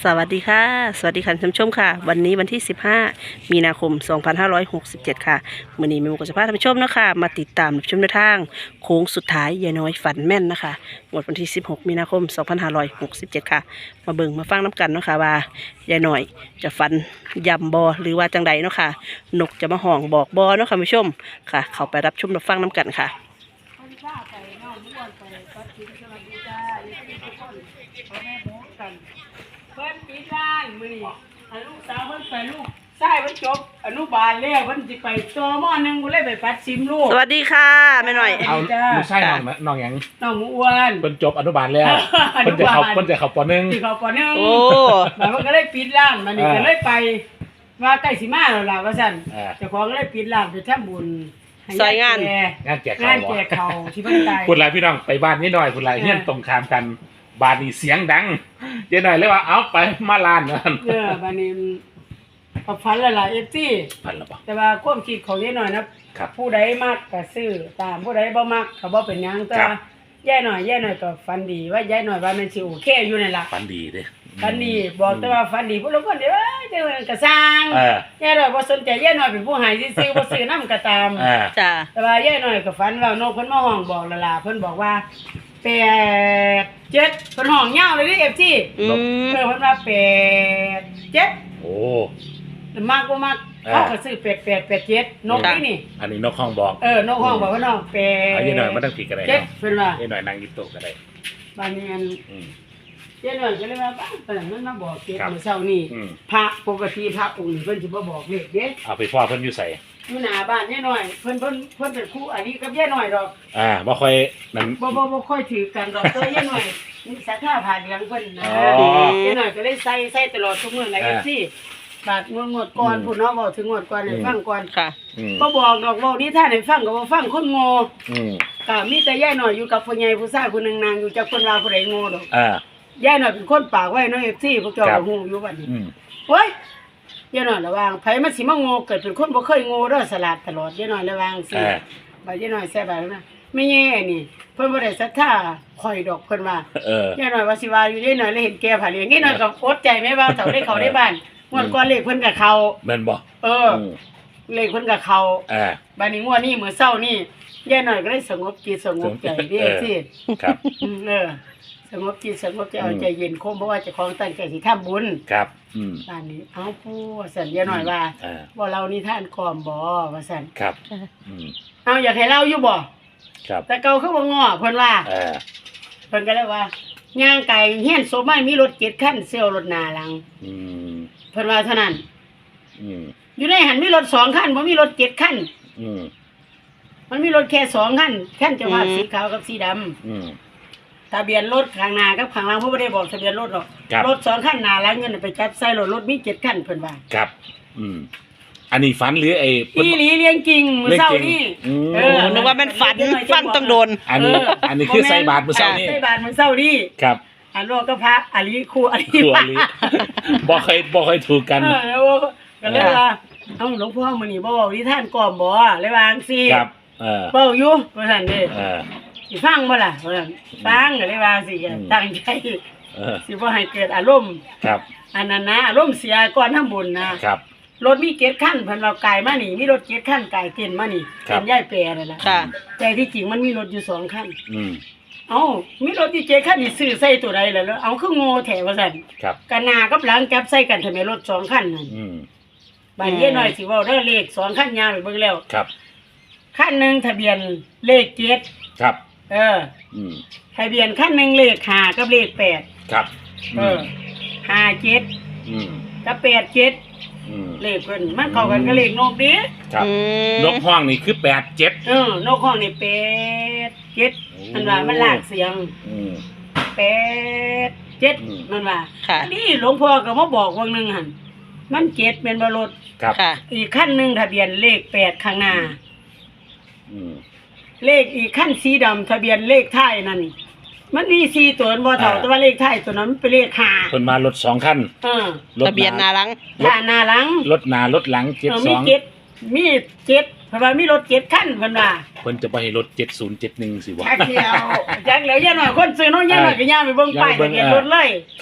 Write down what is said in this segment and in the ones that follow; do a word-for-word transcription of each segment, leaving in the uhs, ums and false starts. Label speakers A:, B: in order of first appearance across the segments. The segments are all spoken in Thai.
A: สวัสดีค่ะสวัสดีค่ะท่านผู้ชมค่ะวันนี้วันที่สิบห้ามีนาคมสองพันห้าร้อยหกสิบเจ็ดค่ะมื้อนี้แม่หมูก็จะพาท่านผู้ชมนะคะมาติดตามรับชมแนวทางโค้งสุดท้ายยายน้อยฝันแม่นนะคะงวดวันที่สิบหกมีนาคมสองพันห้าร้อยหกสิบเจ็ดค่ะมาเบิ่งมาฟังน้ำกันเนาะค่ะว่ายายน้อยจะฝันยำบอหรือว่าจังใดเนาะค่ะนกจะมาห้องบอกบอเนาะค่ะท่านผู้ชมค่ะ เข้าไปรับชมรับฟังน้ำกันค่ะ
B: เพิ่นปีร้านมื้อนี้อันลูกสาวเพิ่นไปลูกชายเพิ่นจบอนุบาลแล้วเพิ่นสิไปจอมอหนึ่งบ่เลยไปปัดซิมลูก
A: สวัสดีค่ะแม่หน่อย
C: เอาลูกชายน้องน้องหยัง
B: น้องอ้วน
C: เพิ่นจบอนุบาลแล้วเพิ่นจะเข้าเพิ่นจะเข้าป.หนึ่ง
B: สิเข้าป.หนึ่ง
A: โอ้
B: มันก็เลยปิดร้านมันนี่ก็เลยไปว่าใกล้สิมาแล้วล่ะว่าซั่นเจ้าของก็เลยปิดร้านไปทำบุญ
A: ซอยงาน
C: งานแจก
B: ข้าวงานแจกข้าวที่เพิ่นตาย
C: พูดหลายพี่น้องไปบ้านนิดหน่อยพูดหลายเฮียนตรงข้ามกันบ้านนี่เสียงดังเดี๋ยวหน่อยเลยว่าเอาไปมาลานนั่น
B: เออบ้านนี้พอฝันแล้วล่ะ เอฟ ซี
C: พันแล้วบ่
B: แต่ว่าความคิดของยายหน่อยนะครับผู้ใดมักก็ซื้อตามผู้ใดบ่มักก็บ่เป็นหยังแต่ว่ายายหน่อยยายหน่อยก็ฝันดีว่ายายหน่อยว่ามันสิโอเคอยู่นั่นล่ะ
C: ฝันดีเด้
B: ฝันดีบอกแต่ว่าฝันดีผู้ลางคนเด้อเด้อก็สร้าง
C: เออย
B: ายหน่อยบ่สนใจยายหน่อยเป็นผู้ให้ซื่อๆบ่ซื้อนำก็ตาม
C: เออ
A: จ้า
B: แต่ว่ายายหน่อยก็ฝันว่านกเพิ่นมาห้องบอกแล้วล่ะเพิ่นบอกว่าแปดเจ็ดเพิ่นห้องยาวเลยเด้ เอฟ ซี
A: อืม
B: เออเพิ่นว่าแปดเจ็ด
C: โอ้
B: มากบ่มากเขาก็ซื้อแปด แปด แปด เจ็ดนกนี่นี่
C: อันนี้นกห้องบอก
B: เออนกห้องบอกว่าน้องแปด
C: เอาเยอะหน่อยมันต้องผิดกันได้
B: เจ็ดเพิ่นว่า
C: เยอะหน่อยนั่งยิ้มโต๊ะกันได้
B: บางนี้อัน
C: อืม
B: เจ้าหน่อยก็เลยว่าบ้านเพิ่นมันมาบอกเจ็ดมื้อเช้านี้พระปกติพระองค์นี้เพิ่นสิบ่บอกเลขเด้
C: เอาไปพ่อเพิ่นอยู่ใส่
B: อยู่หน้าบ้านยายหน่อยเพิ่นเพิ่นเพิ่นเป็นครูอันนี้กับยายหน่อยดอก
C: อ่าบ่ค่อยนั่น
B: บ่บ่บ่ค่อยถือกันดอกตัวยายหน่อยนี่ศรัทธาผ่านเหลืองเพิ่นนะยายหน่อยก็เลยใส่ใส่ตลอดทุกมื้อใน เอฟ ซี บาดงวดงวดก่อนพุ่นเนาะเว้าถึงงวดก่อนให้ฟังก่อน
A: ค่ะ
B: บ่บอกดอกเว้านิทานให้ฟังก็บ่ฟังคนโง่
C: อืม
B: ก็มีแต่ยายหน่อยอยู่กับผู้ใหญ่ผู้ชายผู้นึงนางอยู่จักเพิ่นว่าผู้ใดโง่ดอก
C: อ่
B: ายายหน่อยเป็นคนปากไว้เนาะ เอฟ ซี พวกเจ้าก็ฮู้อยู่บัดนี้
C: อืม
B: โอ้ยยายหน่อยระวังไผมันสิมาโง่เกิดเป็นคนบ่เคยโง่เด้อสลาดตลอดยายหน่อยระวังสิบาดยายหน่อยแซ่บาดนะไม่แย่นี่เพิ่นบ่ได้ศรัทธาข่อยดอกเพิ่นว่า
C: เออย
B: ายหน่อยว่าสิว่าอยู่ยายหน่อยเลยเห็นแก่ผาเลี้ยงยายหน่อยก็อดใจแม่ว่าเฒ่าได้เข้าได้บ้านงวดก่อนเลขเพิ่นก็เข้า
C: แม่นบ่
B: เออเลขเพิ่นก็เข้า
C: เออ
B: บัดนี้งวดนี้มื้อเช้านี่ยายหน่อยก็เลยสงบจิตสงบใจเด้สิ
C: ครับ
B: เออสงบจิตสงบใจเอาใจเย็นคมเพราะว่าเจ้าของตั้งใจสิทำบุญ
C: ครับอืม
B: บ้านนี้เอาผู้สันยายหน่อยว่าว่าเรานี่ท่านกอมบ่ว่าซั่น
C: ครับอืม
B: เอาอยากให้เล่าอยู่บ่
C: ครับ
B: แต่เก่าคือบ่ง้อเพิ่นว่า
C: เออ
B: เพิ่นก็เลยว่าย่างไก่เฮียนโซมันมีรถเจ็ดคันเซลรถหน้าหลัง
C: อืม
B: เพิ่นว่าเท่านั้น
C: อืม
B: อยู่ในหันมีรถสองคันบ่มีรถเจ็ดคัน
C: อืม
B: มันมีรถแค่สองคันคันเจ้าภาพสีขาวกับสีดำ
C: อืม
B: ทะเบียนรถข้างหน้ากับข้างหลังเพิ่นบ่ได้บอกทะเบียนรถหรอกรถสองคันหน้าหลังเงินไปจับใส่รถรถมีเจ็ดคันเพิ่นว่า
C: ครับอืมอันนี้ฝันหรือไอ้
B: อีหลีเลี้ยงจริงมื้อเช้านี้
A: เออนึกว่ามันฝันฟังต้องโดน
C: อันนี้อันนี้คือใส่บาตรมื้อเช้านี้
B: ใส่บาตรมื้อเช้านี้
C: ครับ
B: อันโลก็พระอริครูอริ
C: ครูอริบ่เคยบ่เคยถูกกัน
B: เออก็เลยว่าเอ้าหลวงพ่อมื้อนี้บ่เว้านิทานก่อมบ่เลยว่าจังซี่
C: ครับเออ
B: เว้าอยู่ว่าซั่นเด้
C: เออ
B: สิฟังบ่ล่ะว่าซั่นฟังก็เลยว่าสิตั้งใจ
C: เออ
B: สิบ่ให้เกิดอารมณ์
C: ครับ
B: อันนั้นนะอารมณ์เสียก่อนทำบุญนะครับรถมีเกียรติขั้นเพิ่นเราไกลมานี่มีรถเกียรติขั้นไกลเกินมานี่เป็นยายแปรนั่นล่ะ
A: ค่ะ
B: แต่ที่จริงมันมีรถอยู่สองคัน
C: อืม
B: เอ้ามีรถที่เจ็ดคันนี่ซื้อใส่ตัวใดล่ะแล้วเอาคือโง่แท้ว่าซั่น
C: ครับ
B: กันหน้ากับหลังจับใส่กันทำไมรถสองคันนั่น
C: อืม
B: บาดเย็นหน่อยสิเว้าเด้อเลขสองคันยาวไปเบิ่งแล้ว
C: ครับ
B: คันนึงทะเบียนเลขเจ็ด
C: ครับ
B: เออ
C: อืม
B: ทะเบียนคันนึงเลขห้ากับเลขแปด
C: ครับ
B: เออห้าเจ็ด
C: อืม
B: กับแปดเจ็ด
C: อืม
B: เลขเพิ่นมันเข้ากันกับเลขนกดิ
C: ครับนกห้องนี่คือแปด เจ็ด
B: เออนกห้องนี่แปด เจ็ดมันว่ามันลากเสียง
C: อืม
B: แปด เจ็ดมันว่าอันนี้หลวงพ่อก็มาบอกว่านึงหั่นมันเจ็ดเป็นบ่รถ
C: ครับ
B: อีกคันนึงทะเบียนเลขแปดข้างหน้า
C: อืม
B: เลขอีกคันสีดำทะเบียนเลขท้ายนั่นมันมีสี่ตัวบ่เท่าแต่ว่าเลขท้ายตัวนั้นเป็นเลขห้า
C: เพิ่นมารถสองคัน
B: เออ
A: ทะเบียนหน้าหลัง
B: หน้าหลัง
C: รถหน้ารถหลังเจ็ดสอง
B: มีเจ็ดมีเจ็ดเพราะว่ามีรถเจ็ดคันเพิ่นว่า
C: เพิ่นจะบ่ให้รถเจ็ดศูนย์ เจ็ดหนึ่งสิวะ
B: จักเดียวจักแล้วย่าหน่อยคนซื้อน้องย่าหน่อยก็ย่าไปเบิ่งป้ายทะเบียนรถเลย
C: ครับ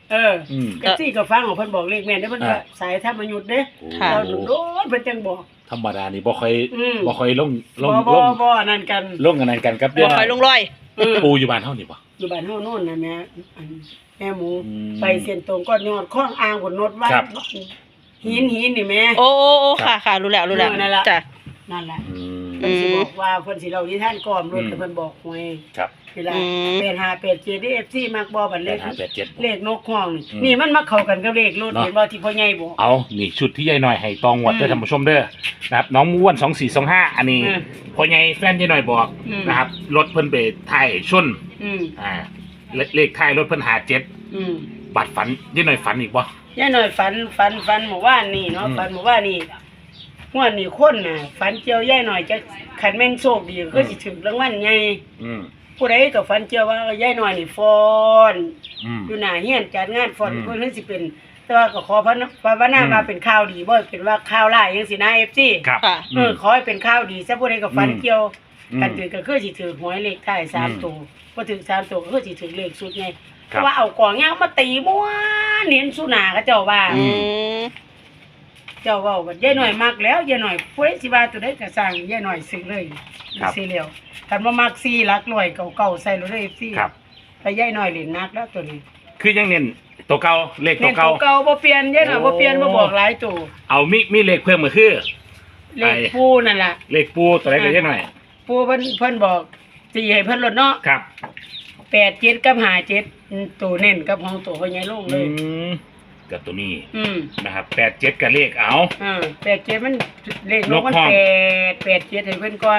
B: เออ
C: อืม
B: เอฟซีก็ฟังของเพิ่นบอกเลขแม่นเด้อเพิ่นก็
C: อ่า
B: สายธรรมยุทธ์เด้
A: ค่ะ
B: เราโดนเพิ่นจังบอก
C: ธรรมดานี่บ่ค่อย
B: อืม
C: บ่ค่อยลงล
B: บ่
C: ง
B: บ่
C: ลง
B: บ่นั่นกัน
C: ลงกันนั่นกันครับ
A: บ่คอยลงรอย
B: เออ
C: ปูอยู่บ้านเฮานี่บ่
B: อยู่บ้านเฮาโน่นน่ะแม่อันแม่หมู
C: อืม
B: ไปเส้นตรงก็ยอดข้องอ่างบนโนดไว้
C: ครับ
B: หินหินนี่แม่
A: โอ้โอ้โอ้ค่ะค่ะรู้แล้วรู้แล้ว
B: เออนั่นล่ะ
A: จ้ะ
B: นั่นแหละ
C: อืม
B: เพิ่นสิบอกว่าเพิ่นสิเล่านิทานก่อมรถ
C: อืม
B: แต่เพิ่นบอกหวย
C: ครับ
B: เวลา
A: อืม
B: แปดห้าแปดเจ็ด เอฟซีมักบ่บัดเลข
C: แปดห้าแปดเจ็ด
B: เลขนกห้องนี่
C: อืม
B: นี่มันมาเข้ากันกับเลขรถ
C: เนาะ
B: เห็นบ่ที่พ่อใหญ่บอก
C: เอานี่ชุดที่ยายหน่อยให้ตองวด
B: อืม
C: เด้อท่านผู้ชมเด้อนะครับน้องม้วนสองสี่สองห้าอันนี้
B: อืม
C: พ่อใหญ่แฟนยายหน่อยบอก
B: อืม
C: นะครับรถเพิ่นไปถ่ายชน
B: อืม
C: อ่าเลเลขท้ายรถเพิ่นหาเจ็ด
B: อืม
C: บัตรฝันยายหน่อยฝันอีกบ่
B: ยายหน่อยฝันฝันฝันเมื่อวานนี่เนาะ
C: อืม
B: ฝันเมื่อวานนี่งวดนี้คนน่ะฝันเจียวยายหน่อยจะขันแม่งโชคดีก็สิถึงรางวัลใหญ่
C: อืม
B: ผู้ใดก็ฝันเจียวว่ายายหน่อยนี่ฟ้อน
C: อืม
B: อยู่หน้าเฮียนจัดงานฟ้อน
C: อืม
B: เพิ่นสิเป็น แต่ว่าก็ขอพระภาวนา
C: อืม
B: ว่าเป็นข่าวดีบ่เป็นว่าข่าวร้ายจังซี่นะ เอฟ ซี
C: ครับ
A: ค่ะ
B: เออขอให้เป็นข่าวดีซะผู้ใดก็ฝัน
C: อืม
B: เกี่ยว
C: อืม
B: กันถือก็คือสิถือหวยเลขท้ายสาม
C: อืม
B: ตัวบ่ถือสามตัวก็คือสิถือเลขสุดไงเพ
C: ครับ
B: ราะว่าเอากองยางมาตีม้วนเน้นสุหนาเขาเจ้าว่า
A: อืม
B: เจ้าเว้าว่ายายหน่อยมักแล้วยายหน่อยผู้ใดสิว่าตัวใดก็สร้างยายหน่อยซื้อเลย
C: ครับ
B: ซื้อแล้วคันบ่มักสี่หลักร้อยเก่าๆใส่เลย เอฟ ซี
C: ครับ
B: แต่ยายหน่อยเล่นนักแล้วตัวนี้
C: คือยังเน้นตัวเก่าเลขตั
B: เล่
C: วน
B: ตั
C: เก่า
B: วเก่าบ่เปลี่ยนยายหน่อยบ่เปลี่ยนบ่บอกหลายตัว
C: เอามีมีเลขเพิ่มก็คือ
B: เลขปูนั่นล่ะ
C: เลขปูตัวไหนก็ยายหน่อย
B: ปูเพิ่นเพิ่นบอกสิให้เพิ่นลดเนาะ
C: ครับ
B: แปดเจ็ดกับห้าเจ็ดอืมตัวเน้นกับของตัวพ่อใหญ่ลงเล
C: อื
B: ย
C: มกับตัวนี้
B: อืม
C: นะครับแปดเจ็ดกับเลขเอา
B: อ่าแปดเจ็ดมันเลขล
C: น
B: ง
C: ก
B: มัน
C: ห้อง
B: แปดแปดเจ็ดให้เพิ่นก่อน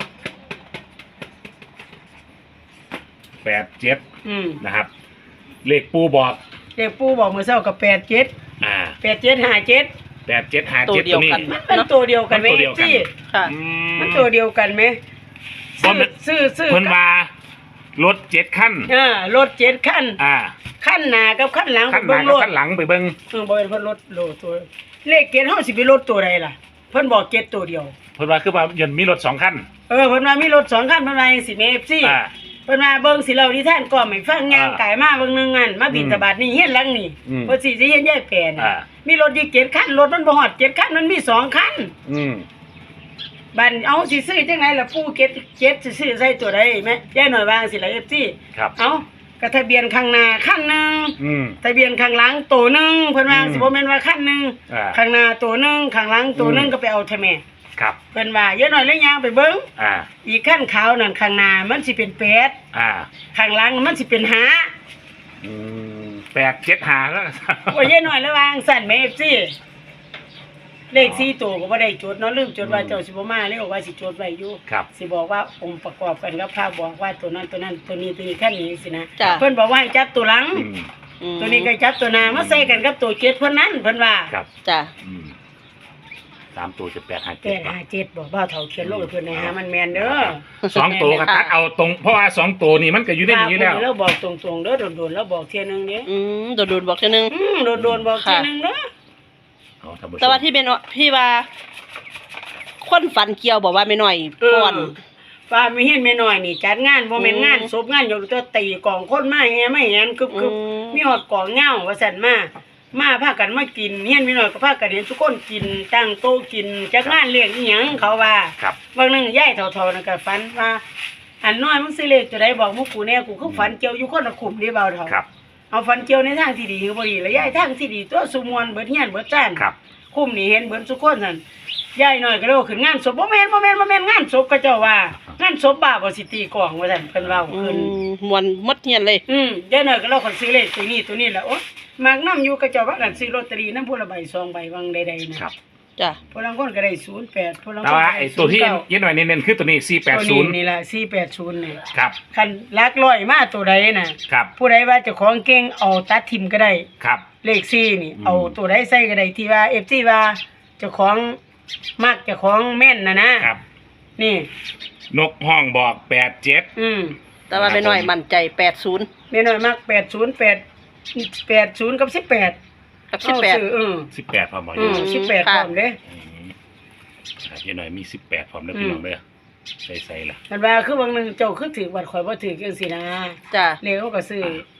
C: แปดเจ็ด
B: อืม
C: นะครับ เลขปูบอก
B: เลขปูบอกมื้อเช้าก็แปดเจ็ด
C: อ่า
B: แปดเจ็ดห้าเจ็ด
C: แปดเจ็ดห้า
A: ตัว
C: เจ็ด
A: เดี
C: ตั
A: ยว
C: วนี้
A: กัน
B: มันตัวเดียวกันไหม
C: มันตัวเดียวกัน
B: จี้
A: ค่ะ
C: อื
B: มันตัวเดียวกันไหม
C: บ่
B: ซื้อ
C: แม่น
B: ซื้อซื้อ
C: เพิ่นว่ารถเจ็ดขั้น
B: อ่ารถเจ็ดคัน
C: อ่า
B: คันหน้ากับคันหลัง
C: ขั้นห
B: เบิ่
C: น้าง กับ
B: รถ
C: ขั้นหลังไปเบิ่ง
B: เออบ่เป็นเพิ่นรถโลตัวเลขเกณฑ์เฮาสิไปรถตัวใดล่ะ เพิ่นบอกเกณฑ์ตัวเดียว
C: เพิ่นว่าคือว่ายันมีรถสองขั้น
B: เออเพิ่นว่ามีรถสองคันเพิ่นว่าจังซี่แม่ เอฟ ซี
C: อ่า
B: เพิ่นว่าเบิ่งสิเล่านิทานก่อนให้ฟังย่าง
C: อ่า
B: กายมาเบิ่งหนึงอันมาบิณฑบาตนี่เฮียนหลังนี่
C: อืม
B: เพิ่นสิสิเฮียนยายแปรน่ะ
C: อ่า
B: มีรถอยู่เจ็ดคันรถมันบ่ฮอดเจ็ดคันมันมีสองคัน
C: อืม
B: บัดเอาสิซื้อจังไดล่ะปู่เจ็ดเจ็ดสิซื้อใส่ตัวใดแม่ยายหน่อยวางสิล่ะ เอฟ ซี
C: ครับ
B: เอาก็ทะเบียนข้างหน้าคันหนึง
C: อืม
B: ทะเบียนข้างหลังตัวหนึงเพิ่นว่า
C: อืม
B: สิบ่แม่นว่าคันหนึง
C: อ่า
B: ข้างหน้าตัวหนึงข้างหลังตัวหนึง
C: อืม
B: ก็ไปเอาทำแม่
C: ครับ
B: เพิ่นว่าเยอะหน่อยแล้วย่างไปเบิ่ง
C: อ่า
B: อีกขั้นขาวนั่นข้างหน้ามันสิเป็นแปด
C: อ่า
B: ข้างหลังมันสิเป็นห้า
C: อืมแปดเจ็ดหาแล้ว
B: โอ้ยเยอะหน่อยแล้ววางสั่นแม่ เอฟ ซี เลขสี่ตัวก็บ่ได้จดเนาะลืมจดว่าเจ้าสิบ่มาเลยบอกว่าสิจดไว้อยู่
C: ครับ
B: สิบอกว่าองค์ประกอบกันกับภาพบอกว่าตัวนั้นตัวนั้นตัวนี้ตัวนี้ขั้นนี้สินะ
A: จ้ะ
B: เพิ่นบอกว่าให้จับตัวหลัง
C: อืม
A: อืม
B: ตัวนี้ก็จับตัวหน้ามาใส่กันกับตัวเจ็ดเพิ่นนั้นเพิ่นว่า
C: ครับ
A: จ้ะ
C: อืมสามตัวจะแปดหา
B: แป
C: เจ็ด
B: ดห้าเจ็ดบอกบ่าวเฒ่าเขียนลงให้เพิ่นให้หามันแม่นเด้อ
C: สองตัวก็ตัดเอาตรง เพราะว่าสองตัวนี่มันก็อยู่ในนี้อยู่แล้ว
B: เราบอกตรงๆเด้อโดนๆแล้วบอกเที่ยหนึงเด้อ
A: อืมโดนโดนบอกเทีนึง
B: อืมโดนๆบอกเที่ยหนึงเด้อ
C: เอาท่านผู้ชม
A: แต่ว่าที่เป็นว่าพี่ว่า คนฝันเกี่ยวบอกว่าไม่น้อยก่อน
B: ฟ้ามีเฮียนแม่น้อยนี่จัดงานบ่แม่นงานศพงานอยู่ตัวตีกองคนมาแฮมาแฮนคึบ
A: อืม
B: ๆมีฮอดกองเหง้าว่าซั่นมามาพากันมากินเฮียนแม่น้อยก็พากันเห็นทุกคนกินตั้งโต๊ะกินจักงานเลี้ยงอีหยังเขาว่า
C: ครับ
B: บางนึงยายเฒ่าๆนั่นก็ฝันว่าอันน้อยมึงสิเลขตัวใดบอกหมู่กูแน่กูคือฝันเกี่ยวอยู่คนละคุมเด้เบาเฒ่า
C: ครับ
B: เอาฝันเกี่ยวในทางที่ดีคือบ่ดีแล้วยายทางที่ดีตัวสุมวนเบิดเฮียนเบิดจ้าน
C: ครับ
B: คุ้มนี่เห็นเบิดทุกคนนั่นยายน้อยก็เลยว่าขึ้นงานศพบ่แม่นบ่แม่นบ่แม่นงานศพก็เจ้าว่างานศพบ้าบ่สิตีกลองว่าซั่นเพิ่นเว้า
A: อื
B: ขึ้น
A: มมวนหมดเฮียนเลย
B: อืมยายน้อยก็เลยคนซื้อเลขตัวนี้ตัวนี้แหละโอ๊ยมากนำอยู่ก็เจ้าว่ากันซื้อลอตเตอรี่นำผู้ละใบสองใบวังใดๆนะครับ
A: จ้ะ
B: ผู้ลางคนก็ได้ศูนย์แปดผู้ลางค
C: แต่
B: นก็
C: ว่า
B: ได้
C: ไอ้ตัวที่
B: ศูนย์เก้า
C: เย็นหน่อยเน้นๆคือตัวนี้สี่แปดศูนย์
B: ตัวนี่ล่ะสี่แปดศูนย์นี่
C: ครับ
B: คันลักร้อยมาตัวใดน่ะ
C: ครับ
B: ผู้ใดว่าเจ้าของเก่งเอาตัดทิมก็ได้
C: ครับ
B: เลขสี่นี่
C: อืม
B: เอาตัวใดใส่ก็ได้ที่ว่า เอฟ ซี ว่าเจ้าของมักเจ้าของแม่นน่ะนะครับ นี่
C: นกห้องบอกแปดเจ็ด
B: อืม
A: แต่ว่าไม่น้อยมั่นใจแปดศูนย์
B: แม่น้อยมักแปดศูนย์แปด แปดศูนย์กับสิบแปด
A: กับสิบแปด
B: เอาซื้อเออ
C: สิบแปดพร้อมบอก
B: อื
C: เย
B: ม
C: อะ
B: สิบแปดพร้อมเด้
C: เย็นหน่อยมีสิบแปดพร้อมแล้วพี่น้องเด้อใส่ใส่ละ
B: มันว่าคือบางนึงเจ้าคือถือบัตรข่อยบ่ถือจังซี่นะ
A: จ้ะ
B: เลขเขาก็ซื้อ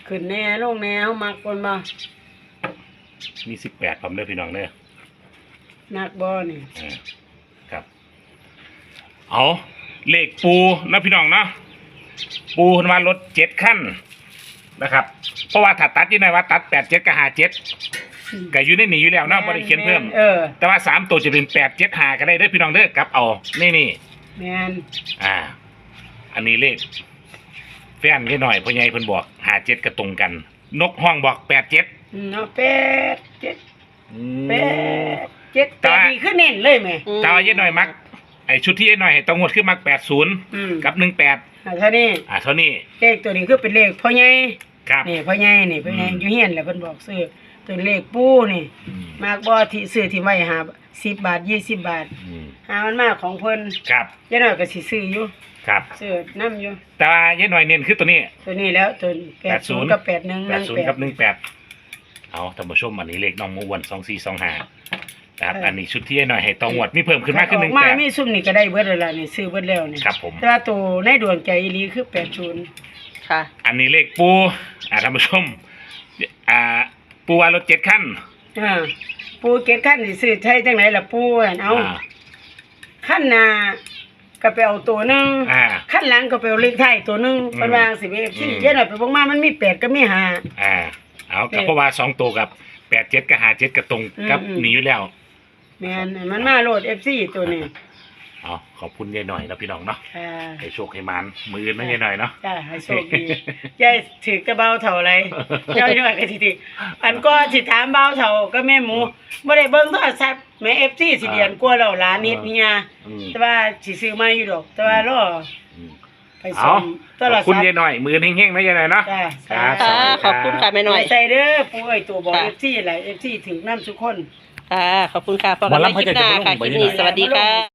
B: ขึ้นแน่ลงแน่เฮามักคนบ่
C: มีสิบแปดผมเด้อพี่น้องเด้อ
B: นักบ่นี่
C: อ่าครับเอาเลขปูนะพี่น้องเนาะปูเพิ่นว่ารถเจ็ดขั้นนะครับ เพราะว่าถ้าตัดยี่หน่อยว่าตัดแปดเจ็ดกับห้าเจ็ดก็อยู่ในนี้อยู่แล้วเนาะบ่ได้เขียนเพิ่ม
B: เออ
C: แต่ว่าสามตัวจะเป็นแปดเจ็ดห้าก็ได้เด้อพี่น้องเด้อกลับเอานี่นี่
B: แม่น
C: อ่า อันนี้เลขแฟนนิดหน่อยพ่อใหญ่เพิ่นบอกห้าเจ็ดก็ตรงกัน นกห้องบอกแปดเจ็ด
B: อืมเนาะแปดเจ็ดแปดเจ็ด
C: แต่
B: แต่
C: ว่า
B: ดีขึ้นเน้นเลยแม่
C: แต่ว่ายี่หน่อยมักไอชุดที่ยี่หน่อยให้ต้องงวดขึ้นมักแปดศูนย์
B: อืม
C: กับหนึ่งแปด
B: อ่าเท่านี้
C: อ่าเท่านี้
B: เลขตัวนี้คือเป็นเลขพ่อใหญ่
C: ครับ
B: นี่พ่อใหญ่นี่พ่อใหญ่
C: อืม
B: อยู่เฮียนแหละเพิ่นบอกซื้อตัวเลขปูนี่
C: อืม
B: มากบ่ที่ซื้อที่ไว้หาสิบบาทยี่สิบบาท
C: อืม
B: หามันมากของเพิ่น
C: ครับ
B: ยายน้อยก็สิซื้ออยู่
C: ครับ
B: ซื้อนํอยู่
C: แต่ว่ายี่หน่อยเน้นคือตัวนี้
B: ตัวนี้แล้วตัวแปดศูนย์กับแปดหนึ่ง
C: แปดศูนย์กับหนึ่งแปดเอาท่านผู้ชมอันนี้เลขน้องมวนสองสี่สองห้าครับอันนี้ชุดที่ยี่หน่อยให้ต้องงวดมีเพิ่มขึ้นมากขึ้นหนึ่ง
B: ออกมา
C: แปด
B: มีซุ่มนี่ก็ได้เบิดแล้วล่ะนี่ซื้อเบิดแล้วนี่
C: ครับผม
B: แต่ว่าตัวในดวงใจอีหลีคือแปดศูนย์
A: ค่ะ
C: อันนี้เลขปูอ่าท่านผู้ชมอ่าปูว่ารถเจ็ดขั้น
B: อ่าปูเก็ตขั้นสิซื้อใช้จังไหนล่ะปูอั่นเอา
C: อ่า
B: ขั้นหน้าก็ไปเอาตัวหนึง
C: อ่า
B: ขั้นหลังก็ไปเอาเลขท้ายตัวหนึง
C: อืม
B: เพิ่นว่าสิเอฟซี
C: อืม
B: เยอะหน่อยไปเบ่งมามันมีแปดก็มีห้า
C: อ่าเอากับ
B: เออ
C: เพราะว่าสองตัวกับแปดเจ็ดกับห้าเจ็ดกับตรง
B: อืม
C: กับ
B: อืม
C: หนีอยู่แล้ว
B: แม่นมันมาโหลด เอฟ ซี ตัวนี้
C: เอาขอบคุณยายหน่อยนะพี่น้องเนาะ
B: ค่ะ
C: ให้โชคให้มันมือนะยายหน่อยเนาะ
B: จ้าให้โชคดียายถือกระเบาเท่าไรเจ้าด้วยก็สิถืออันก็สิถามเบาเท่าก็แม่หมูบ่ได้เบิ่งโทรศัพท์แม่ เอฟ ซี สิเดือนกว่าแล้วหลานนิดเมีย
C: อืม
B: แต่ว่าสิซื้อมาอยู่ดอก แต่ว่ารอ
C: อืม
B: ไป
C: เอา
B: ส่งโท
C: ข
B: ร
C: อบคุณ
B: ศัพท์
C: ยายหน่อยมือเฮงๆนะยายหน่อยเนาะ
B: จ้า
C: ครับส
A: ค่ะ
C: วัสดี
A: ขอบคุณค่ะแม่หน่อย
B: ใส่เด้อปู่เอ้ยตัวบอก
A: ค่ะ
B: เอฟซีหลาย เอฟ ซี ถึงนำทุกคน
A: ค่ะ ขอบคุณค่ะพอกันใหม่คลิปหน้าค่ะ คลิปนี้สวัสดีค่ะ